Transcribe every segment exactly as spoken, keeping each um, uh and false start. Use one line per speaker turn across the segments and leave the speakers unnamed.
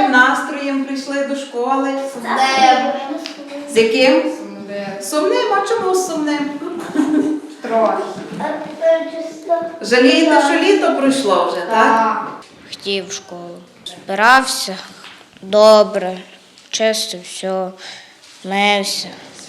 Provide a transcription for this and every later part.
яким настроєм прийшли до школи? З яким? Сумним. А чому сумним?
Трохи.
Жалієте, що літо пройшло вже, так?
Хотів в школу. Збирався добре, чисто все, мився.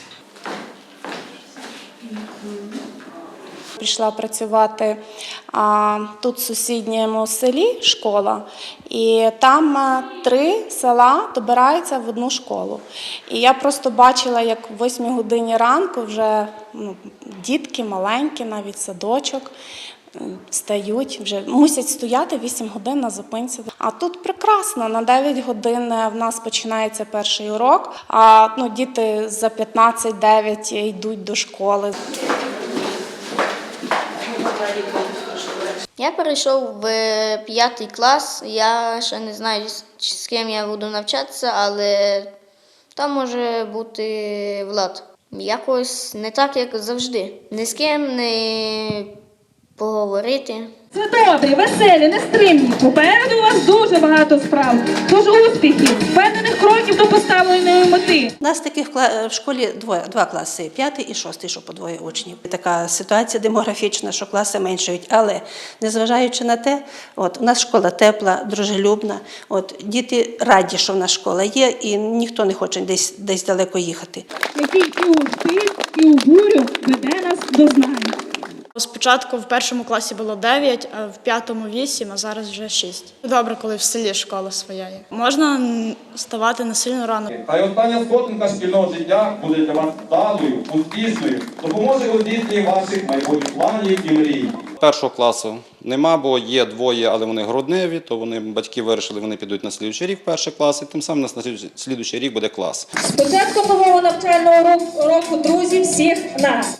Прийшла працювати а, тут в сусідньому селі школа, і там а, три села добираються в одну школу. І я просто бачила, як в восьмій годині ранку вже ну, дітки маленькі, навіть садочок, стають, вже мусять стояти вісім годин на зупинці. А тут прекрасно, на дев'ять годин в нас починається перший урок, а ну, діти за п'ятнадцять дев'ять йдуть до школи.
Я перейшов в п'ятий клас, я ще не знаю, з ким я буду навчатися, але там може бути Влад. Якось не так, як завжди. Ні з ким не поговорити.
Це добре, веселі, нестримні. Попереду у вас дуже багато справ. Тож успіхів, впевнених кроків до поставленої мети.
У нас таких в школі двоє, два класи, п'ятий і шостий, що по двоє учнів. Така ситуація демографічна, що класи меншають, але незважаючи на те, от, у нас школа тепла, дружелюбна, от, діти раді, що в нас школа є, і ніхто не хоче десь, десь далеко їхати.
Який і у стиль, і у бурю веде нас до знань.
Спочатку в першому класі було дев'ять, а в п'ятому вісім, а зараз вже шість. Добре, коли в селі школа своя є. Можна вставати не сильно рано.
Хай остання сходинка шкільного життя буде для вас вдалою, успішною, допоможе у здійсненні ваших майбутніх планів і мрій.
Першого класу нема, бо є двоє, але вони грудневі, то вони, батьки вирішили, вони підуть на слідуючий рік в перший клас, і тим самим на слідуючий рік буде клас.
З початком нового навчального року, друзі, всіх нас!